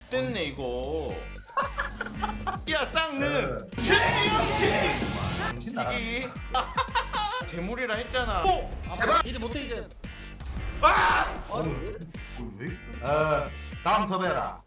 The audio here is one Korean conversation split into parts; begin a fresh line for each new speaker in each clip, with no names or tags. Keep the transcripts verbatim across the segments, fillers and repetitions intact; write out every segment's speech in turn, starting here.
X됐네 이거. 야 쌍능 최영진
정신 나가.
이기 재물이라 했잖아. 오!
이리 못해 이제.
아!
어, 왜? 어, 다음 섭외라.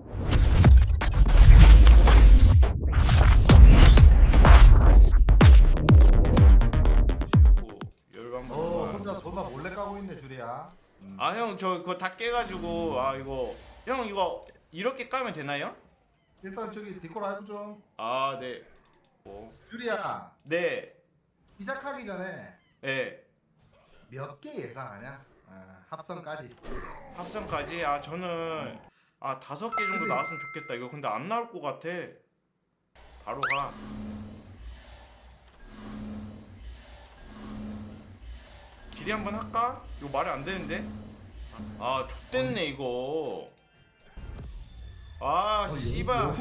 열반
어,
번.
혼자 돈만 몰래 까고 있네 줄이야. 음.
아 형 저 그거 다 깨가지고 아 이거 형 이거 이렇게 까면 되나요?
일단 저기 디코라 해줘 좀.
아 네. 오.
줄이야,
네.
시작하기 전에
네.
몇 개 예상하냐? 어, 합성까지.
합성까지 아 저는 아 다섯 개 정도 나왔으면 좋겠다. 이거 근데 안 나올 것 같아. 바로 가. 길이 한번 할까? 이거 말이 안 되는데. 아 좆됐네 이거. 아 씨발.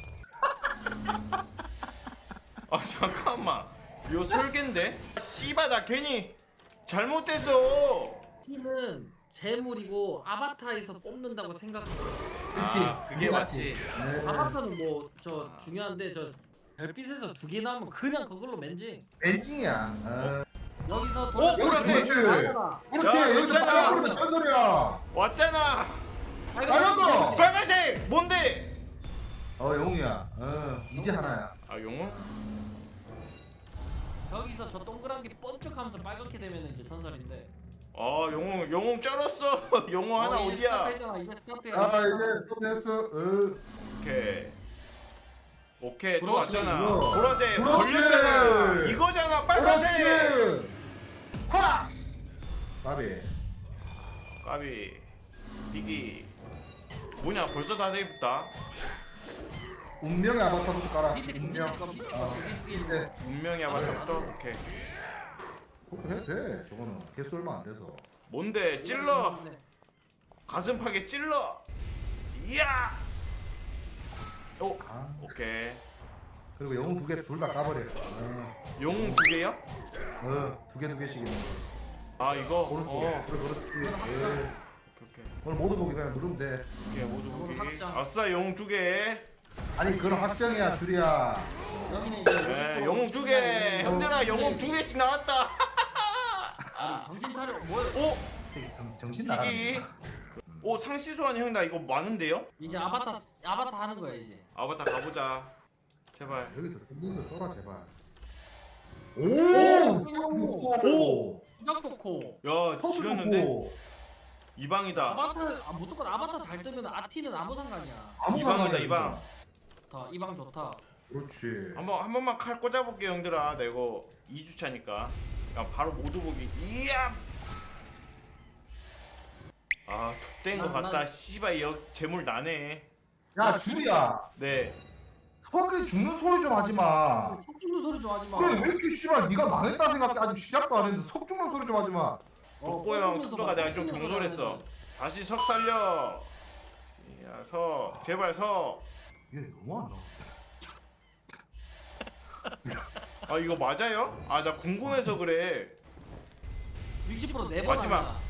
아 잠깐만. 이거 설계인데? 씨발 나 괜히 잘못됐어.
팀은 재물이고 아바타에서 뽑는다고 생각해.
그렇지.
아, 그게 맞지.
네.
아바타는 뭐 저 중요한데 저 별빛에서 두 개 나오면 그냥 그걸로 맨징.
엔징이야. 어.
여기서
오,
돌아서-
그렇지.
나가라.
그렇지.
야,
여기서
괜찮아.
빨리 부르면 전설이야.
왔잖아.
빨간거.
빨간색 뭔데?
어, 영웅이야. 어, 이제 하나야.
아 용은?
여기서 저 동그란 게 번쩍하면서 빨갛게 되면 이제 전설인데.
아 영웅 영웅 쩔었어. 영웅 하나
어, 이제
어디야?
스타트했잖아, 이제 스타트야.
아, 이제 스톱했어. 어.
오케이. 오케이 또
보라색,
왔잖아.
이거.
보라색
그렇지.
걸렸잖아. 이거잖아 빨간색.
그렇지. 화. 바비.
까비. 비기. 뭐냐 벌써 다 돼있다.
운명의 아바타부터 깔아.
밑에 거, 밑에
운명.
거, 밑에
어.
거, 밑에 거.
네.
운명이 아바타부터 오케이.
그렇게 해도 돼. 저거는 개수 얼마 안 돼서.
뭔데 찔러. 가슴팍에 찔러. 이야. 오
아.
오케이.
그리고 영웅 두 개 둘 다 까버려. 어,
영웅 두 개요?
어, 두 개 두 개씩 있는 거.
아 이거.
오른쪽.
어.
그래, 그렇지. 예.
오케이 오케이.
오늘 모두 보기 그냥 누르면 돼.
오케이 모두
영웅
보기.
확장.
아싸 영웅 두 개.
아니 그건 확정이야, 줄이야.
여기는 이제
네, 영웅 두 개. 형들아 영웅 두 개씩 나왔다.
아니, 정신 차려. 뭐야?
오
정, 정신 나가는
이기.
거야.
오 상시소환 형 나 이거 많은데요?
이제 아바타 아바타 하는 거야 이제.
아바타 가보자. 제발.
여기서 선에서 떠라 제발.
오!
오!
수작 좋고.
야
터스
지렸는데
좋고.
이방이다.
아바타 아, 무조건 아바타 잘 뜨면 아티는 아무 상관이야.
아무
이방이다,
상관이야,
이방.
좋다. 이방 좋다.
그렇지.
한번 한 번만 칼 꽂아볼게 형들아. 나 이거 이 주차니까. 야 바로 모두 보기. 이야. 아 족된 거
난-
같다.
난-
씨발 역 재물 나네.
야 줄이야.
네.
서기 죽는 소리 좀 하지 마.
속 죽는 소리 좀 하지 마.
그래 왜 이렇게 씨발 네가 망했다 생각해. 아직 시작도 안 했는데 석 죽는 소리 좀 하지 마.
덕고 형 투도가 내가 좀 경솔했어. 다시 석 살려. 야 석 제발 석.
얘 너무하나.
아 이거 맞아요? 아 나 궁금해서 그래.
육십 퍼센트 네번
마지막.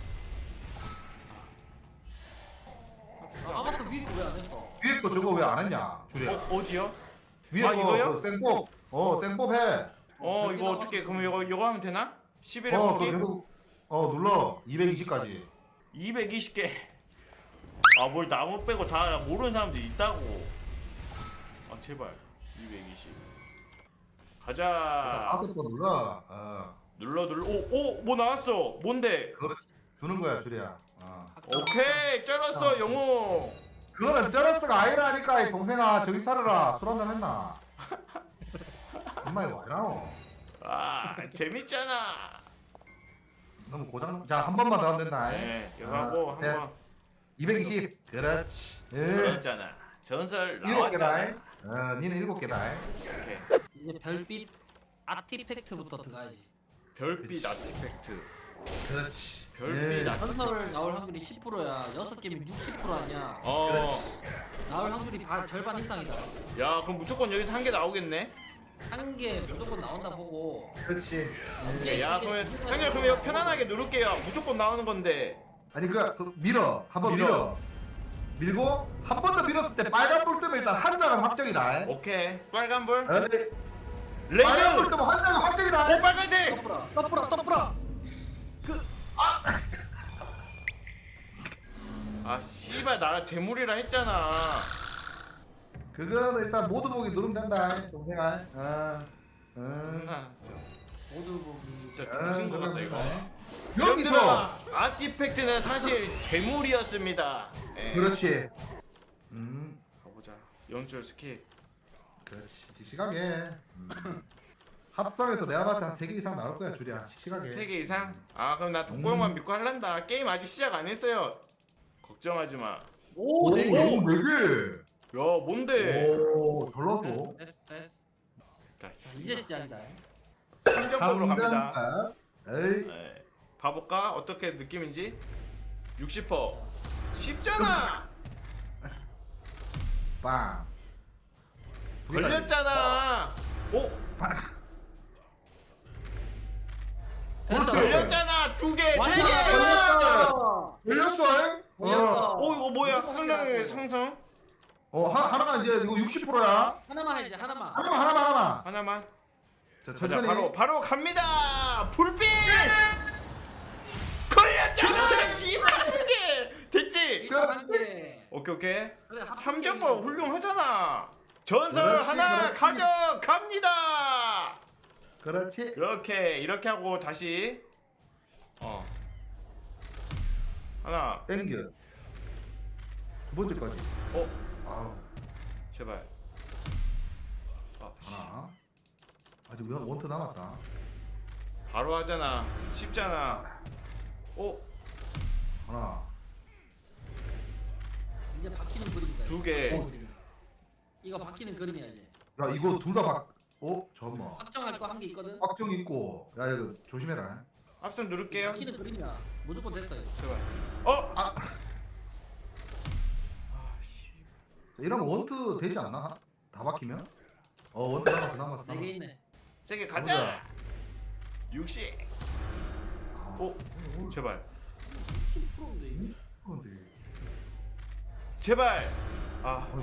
아바타 위에 왜안 했어?
위에 거 저거 왜 안 했냐? 줄이야.
어 어디요?
위에
아,
거
이거요?
그 생법. 어 생법 해.
어 이거 어떻게 그럼 이거 이거 하면 되나? 십일에
어
뽑기
그리고 어 눌러 이백이십까지.
이백이십 개. 아 뭘 나무 빼고 다 모르는 사람들이 있다고. 아 제발 이백이십. 가자.
다섯 번 눌러. 어
눌러 눌러. 오오 뭐 나왔어? 뭔데?
그렇지. 주는 거야 줄이야. 어.
오케이 쩔었어
어.
영웅.
그거는 쩌러스가 아니라니까 이 동생아 저기 살아라. 술 한잔 했나? 엄마 이거 왜나노?
아 재밌잖아.
너무 고장. 자 한 번만 더 하면 된다.
네 이거 하고
네.
한번
이백이십. 그렇지. 예.
그랬잖아. 전설
일곱 개다.
나왔잖아.
어 니는 일곱 개다.
오케이.
이제 별빛 아티팩트부터 들어가야지.
별빛
그치.
아티팩트.
그렇지.
별빛
예.
아티팩트.
전설 나올 확률이 십 퍼센트야. 여섯 개면 육십 퍼센트 아니야.
어.
그렇지.
나올 확률이 반 절반 이상이다.
야 그럼 무조건 여기서 한 개 나오겠네.
한 개 무조건 나온다 보고.
그렇지. 예.
야 그러면 형님 그럼 이거 편안하게 누를게요. 무조건 나오는 건데.
아니 그, 그 밀어. 한번
밀어.
밀어. 밀고 한 번 더 밀었을 때 빨간 불 뜨면 일단 한 장은 확정이다.
오케이 빨간불
에이,
레드
빨간 불 뜨면 한 장은 확정이다.
오 빨간색
떡브라 떡브라 떡브라. 그
아 씨발 나라 재물이라 했잖아
그거는 일단 모두 보기 누르면 된다. 동생아. 어. 어.
아,
모두 보기.
진짜
어,
정신 것 같다 이거
여기서
여기서 아티팩트는 사실 재물이었습니다 예.
그렇지. 음.
가보자 연출 스킵
그렇지. 씩씩하게. 음. 합성해서 내 아바타 한 세 개 이상 나올 거야, 줄이야. 씩씩하게.
세 개 이상? 아 그럼 나 독고형만 믿고 할란다 게임 아직 시작 안 했어요 걱정하지 마
오, 네
오,
개.
네 개.
야 뭔데
오, 별로도.
됐어, 됐어.
자,
자, 이제 시작이다.
삼점법으로 갑니다
삼 점. 에이.
네. 봐볼까? 어떻게 느낌인지 육십 퍼센트 쉽잖아
빵. 두 개까지.
걸렸잖아 오?
그렇죠.
걸렸잖아 두개 세개
완전
걸렸어.
걸렸어.
걸렸어. 잉?
걸렸어.
오 이거 뭐야
무조건
승량의
걸렸어.
상승
어, 하, 하나만 이제 이거 육십 퍼센트야.
하나만 해야지 하나만.
하나만 하나만 하나만.
하나만
자,
자
천천히.
바로 바로 갑니다 불빛 걸렸잖아 씨발 한개 됐지?
이거 한 개.
오케이 오케이
그래, 합성
삼 점법
게임이고.
훌륭하잖아 전설
그렇지,
하나
그렇지.
가져갑니다
그렇지.
이렇게 이렇게 하고 다시 어 하나
땡겨. 두 번째까지.
어
아우.
제발 아, 씨.
하나. 아직 원- 원트 남았다.
바로 하잖아 쉽잖아 오
하나.
이제 바뀌는 그림이다.
두 개.
어, 그림. 이거 바뀌는 그림이야 이제.
야, 이거 둘 다 박. 어, 잠깐만.
확정할 거 한 개 있거든.
확정 있고. 야, 이거 조심해라.
합선 누를게요
바뀌는 그림이야. 무조건 됐어 이거.
제발 어
아,
아씨
이러면 원트 되지 않나? 다 박히면? 어, 원트 남았어, 남았어,
네 개
남았어.
있네.
세게 가자 육십
아,
오 제발
십 퍼센트인데 이거.
그런데.
제발 아
어이.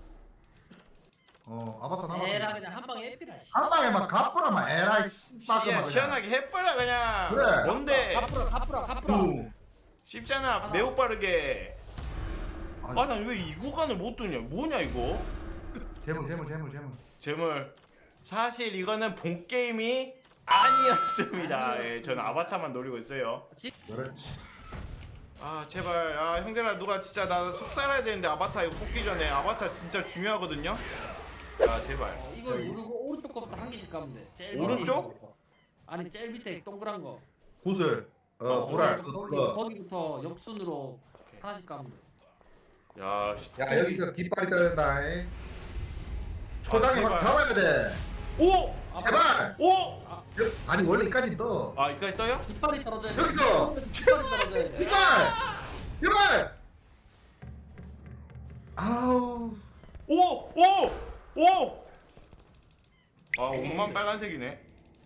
어, 아바타 남았어.
에라 그냥 한 방에 에피라. 씨.
한 방에 막 가쁘라 막 에라이
시야
씨발그만
시원하게 해버려 그냥
그래.
뭔데
가프라 가프라 가프라.
붕.
쉽잖아
하나.
매우 빠르게
아니,
아 난 왜 이 구간을 못 두냐 뭐냐 이거
재물 재물 재물 재물.
재물 사실 이거는 본 게임이 아니었습니다 예 저는 아바타만 노리고 있어요
그렇지.
아 제발 아 형들아 누가 진짜 나 속 살아야 되는데 아바타 이거 뽑기 전에 아바타 진짜 중요하거든요 아 제발
어, 이걸 누르고 오른쪽 거부터 한 개씩 가면 돼. 제일
오른쪽?
밑에 있는 거. 아니 제일 밑에 동그란 거.
구슬. 어,
어,
보랄.
거기,
그거.
거기부터 역순으로
오케이.
하나씩 가면 돼.
야 씨.
야, 여기서 깃발이 떠야 된다. 이. 초장에
제발.
확 잡아야 돼.
오!
제발.
오!
여- 아니 원래 이까지 떠.
아 이까지 떠요?
깃발이 떨어져야 돼.
여기서!
깃발이 떨어져야 돼.
깃발. 깃발. 아우.
오! 오! 오! 아 옷만 빨간색이네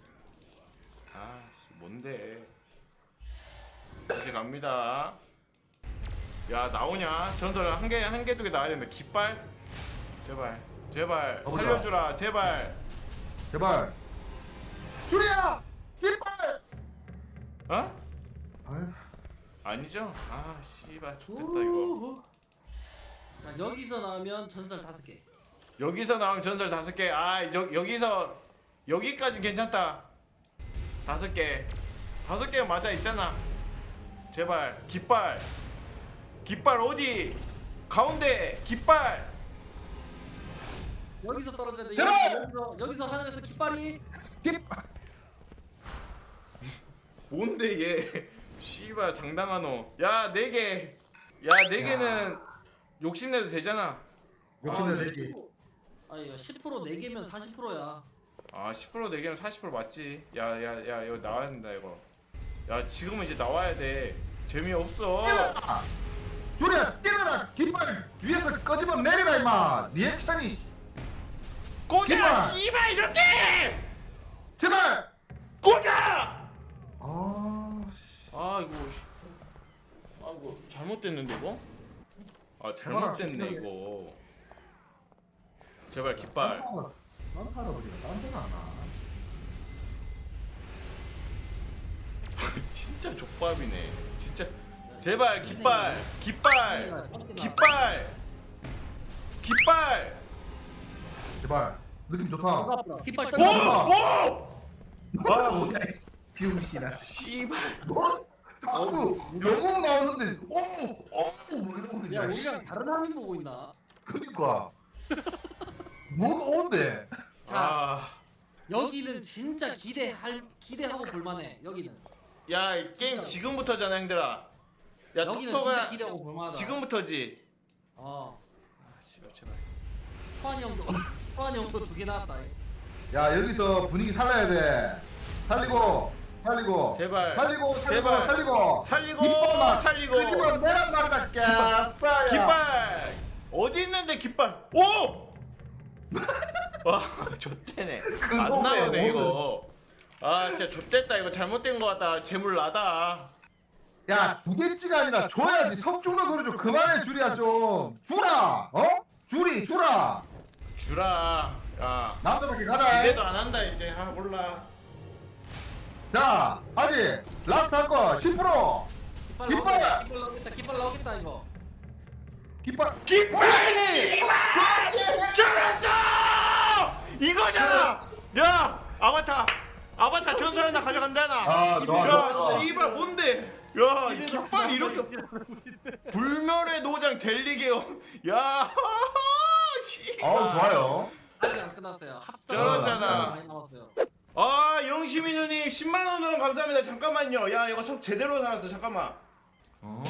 아씨 뭔데 다시 갑니다 야 나오냐 전설 한 개 한 개 두 개 나와야 되는데 깃발 제발 제발
가보자.
살려주라 제발
제발. 줄이야. 깃발.
어?
아유.
아니죠? 아 씨발 좋겠다 이거
자 여기서 나오면 전설 다섯 개.
여기서 나오면 전설 다섯 개. 아 여, 여기서 여기까지 괜찮다. 다섯 개. 다섯 개 맞아 있잖아. 제발 깃발. 깃발 어디? 가운데 깃발.
여기서 떨어져야 돼.
제발!
여기서 여기서 하늘에서 깃발이
깃발.
뭔데 얘? 씨발 당당하노. 야 네 개. 야 네 개는 욕심내도 되잖아.
욕심내 되지.
아니 이거 십 퍼센트 네 개면 사십 퍼센트야.
아 십 퍼센트 네 개면 사십 퍼센트 맞지. 야야 야 이거 나와야 된다 이거. 야 지금은 이제 나와야 돼. 재미없어.
뛰어라. 줄이야 뛰어라. 깃발 위에서 꺼지면 내리라 임마. 리액션이.
꽂아
깃발!
씨발 이렇게.
제발.
꽂아.
아. 씨.
아 이거 씨. 아 이거 잘못됐는데 이거? 아 잘못됐네 이거. 제발 깃발.
딴타로 버리가 딴 데가 안 나.
진짜 족밥이네. 진짜 제발 깃발, 깃발, 깃발, 깃발.
제발 느낌 좋다.
깃발
오,
던져.
오.
아 뭐야 비용씨나.
씨발.
뭐? 자꾸 영어 나오는데 어머 어머 이러고
야
그냥.
우리랑 다른 화면 보고 있나?
그니까 뭐가 온대.
자
아,
여기는 진짜 기대할 기대하고 볼만해. 여기는.
야, 이 게임 지금부터잖아, 형들아. 야,
여기는 진짜
똑똑아.
기대하고 볼만하다.
지금부터지.
어.
아, 씨발 제발.
소환이 형도 소환이 형도 두 개 나왔다.
야 여기서 분위기 살려야 돼. 살리고 살리고
제발.
살리고 살리고
제발.
살리고
살리고
깃발만.
살리고.
깃발 내가 말다 깼어요.
깃발. 어디 있는데 깃발? 오! 와, 좆대네. 안
그거네,
나오네 이거.
뭐는.
아, 진짜 좆됐다. 이거 잘못된 거 같다. 재물 나다.
야 주겠지가 아니라 줘야지. 석주는 소리 좀 그만해 줄이야 좀. 주라. 어? 줄이 주라.
주라. 야,
남자답게 가자.
기대도 안 한다 이제. 아, 몰라.
자 아직 라스트 한거 십 퍼센트.
깃발
깃발!
나오겠다. 깃발 나오겠다. 깃발 나오겠다 이거.
깃발.
깃발! 씨발! 잘했어! 이거잖아. 야, 아바타. 아바타 전설 하나 가져간다 나.
아, 좋아,
야,
좋아, 좋아.
씨발 뭔데? 야, 이 깃발 이렇게 불멸의 노장 델리게요. 야, 씨발.
어 좋아요.
아직 안 끝났어요. 합성.
쩔었잖아.
많이 남았어요.
아, 영심이 누님 십만 원 후원 감사합니다. 잠깐만요. 야, 이거 석 제대로 살았어. 잠깐만.
어?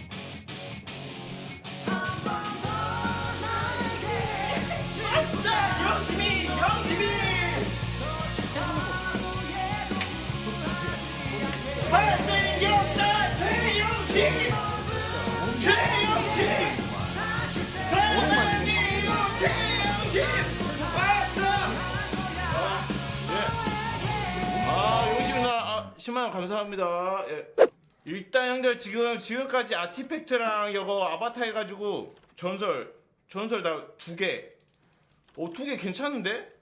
진짜 영심이, 영심이. 잘생겼다 최영심, 최영심, 사랑이도 최영심 왔어. 아, 예. 아, 영심 누나 아, 십만 원 감사합니다. 예. 일단 형들 지금 지금까지 아티팩트랑 이거 아바타 해가지고 전설 전설 다 두 개. 오, 두 개 괜찮은데?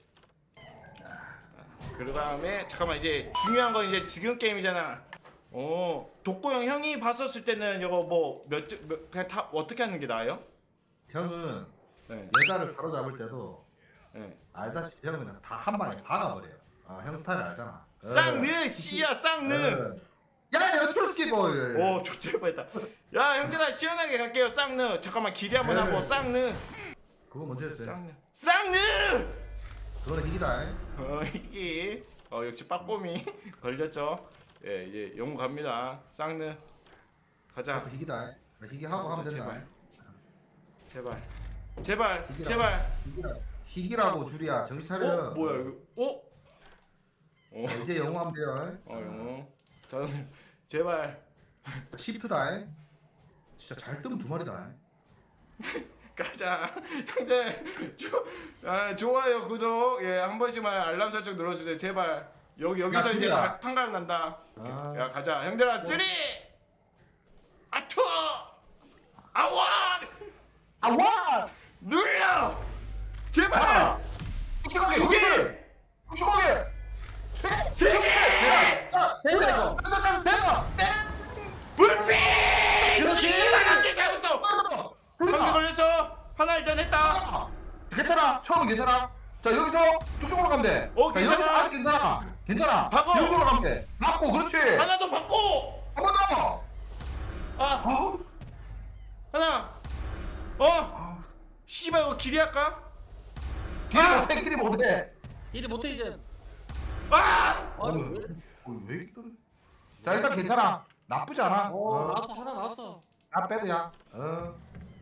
그 다음에 잠깐만 이제 중요한 건 이제 지금 게임이잖아. 어, 독고형 형이 봤었을 때는 이거 뭐몇 몇, 그냥 다 어떻게 하는 게 나아요?
형은
네.
여자를 사로잡을 때도
네.
알다시피 형은 그냥 다 한 방에 박아버려요. 아, 형 스타일 알잖아.
쌍느 씨야 쌍느.
야 내가 트루스키 보이.
오, 좋대 뻔했다. 야, 형들아 시원하게 갈게요. 쌍느. 잠깐만 기대 한번
네.
하고 쌍느.
그거 문제였어요.
쌍느. 쌍느.
그거는 희귀다.
어, 이게 어 역시 빠꼼이 걸렸죠. 예, 이제 영웅 갑니다. 쌍느. 가자.
그것도 희귀다. 희귀하고 하면 된다.
제발. 제발. 제발.
희귀라.
제발.
희귀라. 희귀라고 줄이야. 정신 차려.
어, 뭐야 이거? 어? 어,
자, 이제 영웅 하면 돼요.
어, 영웅. 저는 제발
시프트다. 진짜 잘 뜨면 두 마리다.
가자. 형들 조, 아, 좋아요, 구독, 예, 한 번씩만 알람 설정 눌러주세요. 제발. 여기 여기서
야,
이제
둘이야.
가- 판가름 난다.
아.
야, 가자. 형들아, 쓰리, 아투, 아원,
아와!
눌러. 제발.
촉촉하게
두 개.
촉촉하게.
세 개.
자,
됐다, 이거.
짜자잔 대가.
불빛.
그렇지.
씨발, 한개 잡았어. 한개 걸렸어. 하나 일단 했다.
괜찮아. 처음은 괜찮아. 자 여기서 쭉쭉으로 가면 돼.
어,
자,
괜찮아.
여기서 아직 괜찮아. 괜찮아.
박어.
여기로 가면 돼. 맞고 그렇지.
하나 더 받고.
한 번 더.
아,
아우.
하나. 어? 씨발 이거 길이 할까?
길이
아!
못해. 길이 못해.
일이 못해 이제.
아!
어, 왜? 어, 왜 이렇게 떨어? 자 일단 괜찮아. 나쁘지 않아.
어,
어.
나왔어 하나 나왔어.
나 빼도야. 어.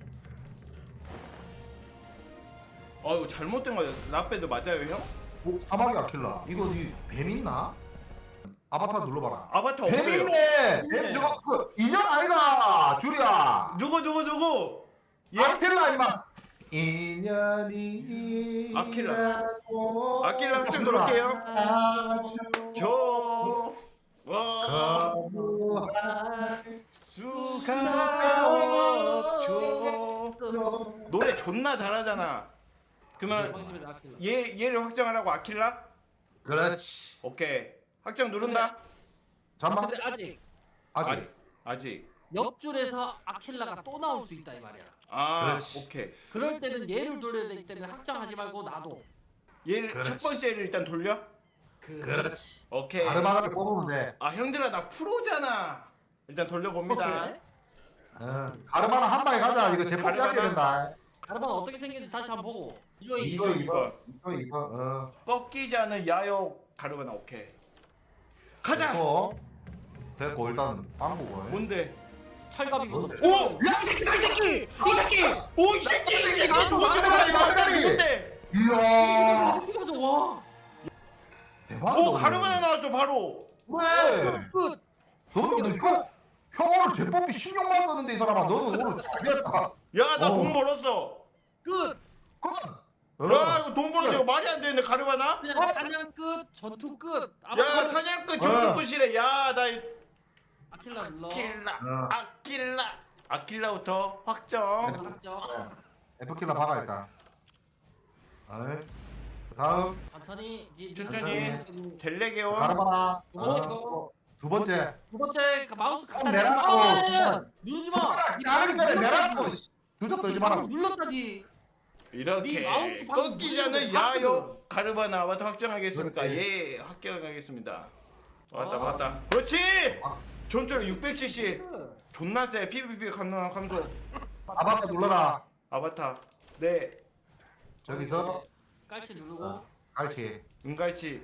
아, 이거 잘못된 거야. 나빼도 맞아요, 형?
오, 사막이 아킬라. 이거 이뱀 있나? 아바타 눌러봐라.
아바타
뱀
없어요.
있네.
있네.
뱀 저거 그 인형 아이가 줄이야.
누구 누구 누구? 예?
아킬라 임마. 인연이.
아킬라. 아킬라 확정 누를게요. 겨. 와. 수가 없죠.
그
노래 존나 잘하잖아. 그러면
방심의 아킬라.
얘 얘를 확정하라고 아킬라?
그렇지.
오케이. 확정 누른다.
잠만.
근데 아직
아직.
아직 아직.
옆줄에서 아킬라가 또 나올 수 있다 이 말이야.
아,
그렇지.
오케이.
그럴 때는 얘를 돌려야 되기 때문에 확장하지 말고 놔둬.
얘를
그렇지.
첫 번째를 일단 돌려.
그렇지.
오케이.
아르바나를 뽑으면 돼.
아 형들아 나 프로잖아. 일단 돌려봅니다.
그래?
어. 아르바나 한 방에 가자. 이거 제법
가르바나?
깎여야 된다.
가르바는 어떻게 생긴지 다시 한번 보고. 이거
이거
이거
이거 이거 이거. 어.
꺾이지 않은 야욕 가르바나 오케이. 가자.
됐고. 됐고 일단 빵꾸고.
뭔데?
철갑이거든.
오! 야, 이 새끼! 이 새끼! 오, 이 새끼! 이 새끼! 누군데?
말다리!
누군데?
이야.
이거 좀 와.
대박.
오, 가르바나 나왔어 바로.
왜?
끝.
너는 형, 형 오늘 제법이 신경만 썼는데 이 사람아 너는 오늘 잘했다.
야, 나
어.
돈 벌었어.
끝.
그만.
야, 이거 돈 벌었어. 이거 말이 안 되는데 가르바나?
그냥 사냥 끝. 전투 끝.
야,
아바타
사냥꾼 전투꾼이래. 야, 나 이-
아킬라 눌러.
아킬라,
어.
아킬라, 아킬라부터 확정.
확정.
에프킬라 박아 일단. 어이. 다음
천천히. 지-
천천히. 델레게온.
가르바나.
두 번째
어,
거.
두 번째.
두 번째 그 마우스
어,
갖다
내가
대고.
또-
아, 아니, 아니, 아니. 누르지 마.
가르기 전에 내가 또 주접 떨지 마라.
눌렀다지.
이렇게
네 마우스 방금
꺾이지 않는
누르는데
야욕 가르바나 아바타 확정하겠습니까?
그렇지.
예, 확정하겠습니다. 맞다,
아.
맞다. 그렇지.
아.
전투력 육백씨씨. 존나 세. 피브이피 가능한 감소.
아바타 눌러라.
아바타. 네.
저기서
깔치 누르고.
어. 갈치.
은갈치.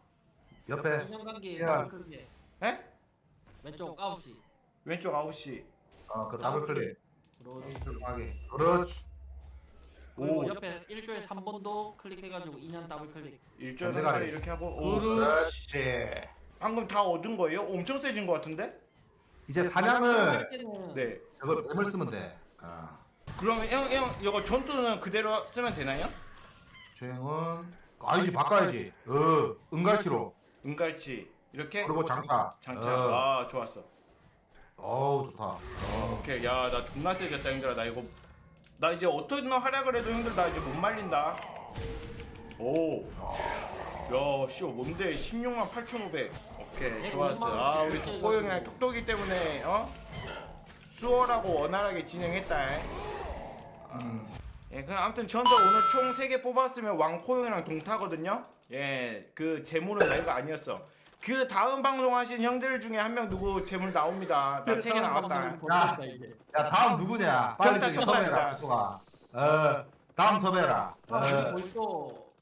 옆에
인형관계
야.
더블 클릭.
에?
왼쪽 아홉 시.
왼쪽 아홉 시.
어그 더블 클릭.
그러지.
하게. 그렇지.
그리고
오.
옆에 일조에 삼 번도 클릭해가지고 인형 더블 클릭.
일절
반대가리.
한가리 이렇게 하고. 오.
그렇지.
방금 다 얻은 거예요? 엄청 세진 것 같은데?
이제 사냥을
할 때는
네.
저걸 뱀을 쓰면 돼. 어.
그러면 형, 형, 이거 전투는 그대로 쓰면 되나요?
주행은 아니지 바꿔야지. 어 은갈치로.
은갈치. 이렇게?
그리고 장타.
장착.
어.
아, 좋았어.
어우 좋다.
어, 오케이. 야, 나 존나 세졌다, 형들아. 나 이거 나 이제 어떤 활약을 해도 형들 나 이제 못 말린다. 오. 야, 씨, 뭔데? 십육만 팔천오백. 오케이, 좋았어. 아, 우리 톡보 형이랑 톡톡이 때문에 어? 수월하고 원활하게 진행했다.
음.
예, 그냥 아무튼 전설 오늘 총 세 개 뽑았으면 왕코 형이랑 동타거든요. 예, 그 재물은 내가 아니었어. 그 다음 방송 하신 형들 중에 한 명 누구 재물 나옵니다. 나 세 개 나왔다.
야. 야 다음 누구냐? 빨리
평타
저기
쳤답니다.
섭외해라. 수가. 어 다음 섭외해라. 어.
벌써